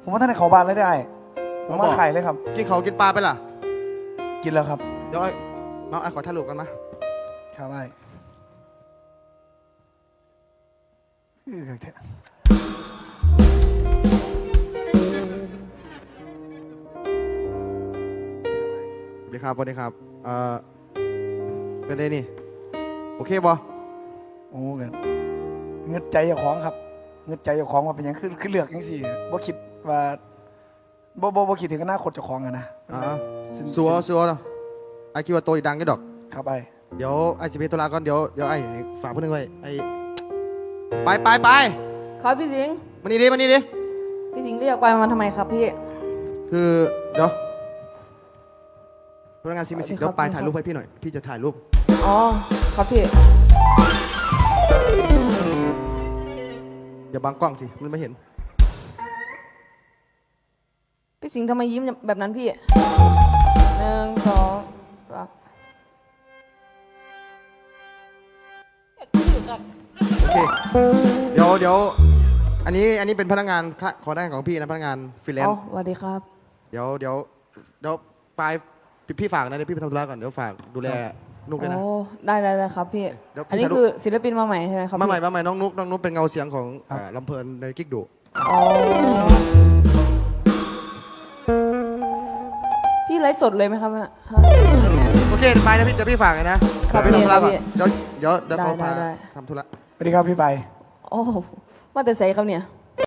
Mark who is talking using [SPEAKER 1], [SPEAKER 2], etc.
[SPEAKER 1] ผมว่าท่านในเขาบ้านเลยได้ผมว่าไข่เลยครับ
[SPEAKER 2] กินเขากินปลาไปล่ะ
[SPEAKER 1] กินแล้วครับ
[SPEAKER 2] เดี๋ยวน้องขอถ่ายรูปกันมา
[SPEAKER 1] ครับไอ้
[SPEAKER 2] สวัสดีครับสวัสดีครับเป็นไงนี่โอเคบอ
[SPEAKER 1] โอ้เงินใจเจ้าของครับเงินใจเจ้าของว่าเป็นยังคือเลือกยังสี่บ่คิดว่าบ่คิดถึงอนาคตเจ้าของอะนะ
[SPEAKER 2] สัวเนาะไอคิดว่าโตอีกดังก็ดอก
[SPEAKER 1] ครับไอ้
[SPEAKER 2] เดี๋ยวไอสิบเอ็ดตุลาก่อนเดี๋ยวไอฝากเพื่อนไว้ไอไป
[SPEAKER 3] ครับพี่สิงห์
[SPEAKER 2] มานี่ดิ
[SPEAKER 3] พี่สิงห์เรียกไปมาทำไมครับพี่
[SPEAKER 2] คือเดี๋ยวพนักงานซีมิสิกเดี๋ยวไปถ่ายรูปให้พี่หน่อยพี่จะถ่ายรูป
[SPEAKER 3] อ๋อครับพี่
[SPEAKER 2] อย่าบังกล้องสิมันไม่เห็น
[SPEAKER 3] พี่สิงห์ทำไมยิ้มแบบนั้นพี่1 2 3
[SPEAKER 2] โอเคเดี๋ยวอันนี้เป็นพนักงานขอได้ของพี่นะพนักงานฟรีแลนซ์
[SPEAKER 3] สวัสดีครับ
[SPEAKER 2] เดี๋ยวไปพี่ฝากนะเดี๋ยวพี่ไปทำธุระก่อนเดี๋ยวฝากดูแลนุกด้วยนะ
[SPEAKER 3] โอ้ได้ครับพี่อันนี้คือศิลปินมาใหม่ใช่ไหมครับ
[SPEAKER 2] มาใหม่น้องนุกเป็นเงาเสียงของลำเพลินในกิ๊กดุ
[SPEAKER 3] พี่ไลฟ์สดเลยไหมครับ
[SPEAKER 2] โอเคไปนะพี่เดี๋ยวพี่ฝากเลยนะไปทำธุระก่อนเดี๋ยวเขาพาทำธุระ
[SPEAKER 1] สวัสดีครับพี่ไป
[SPEAKER 3] โอ้มาแต่ใส่ครับเนี่ย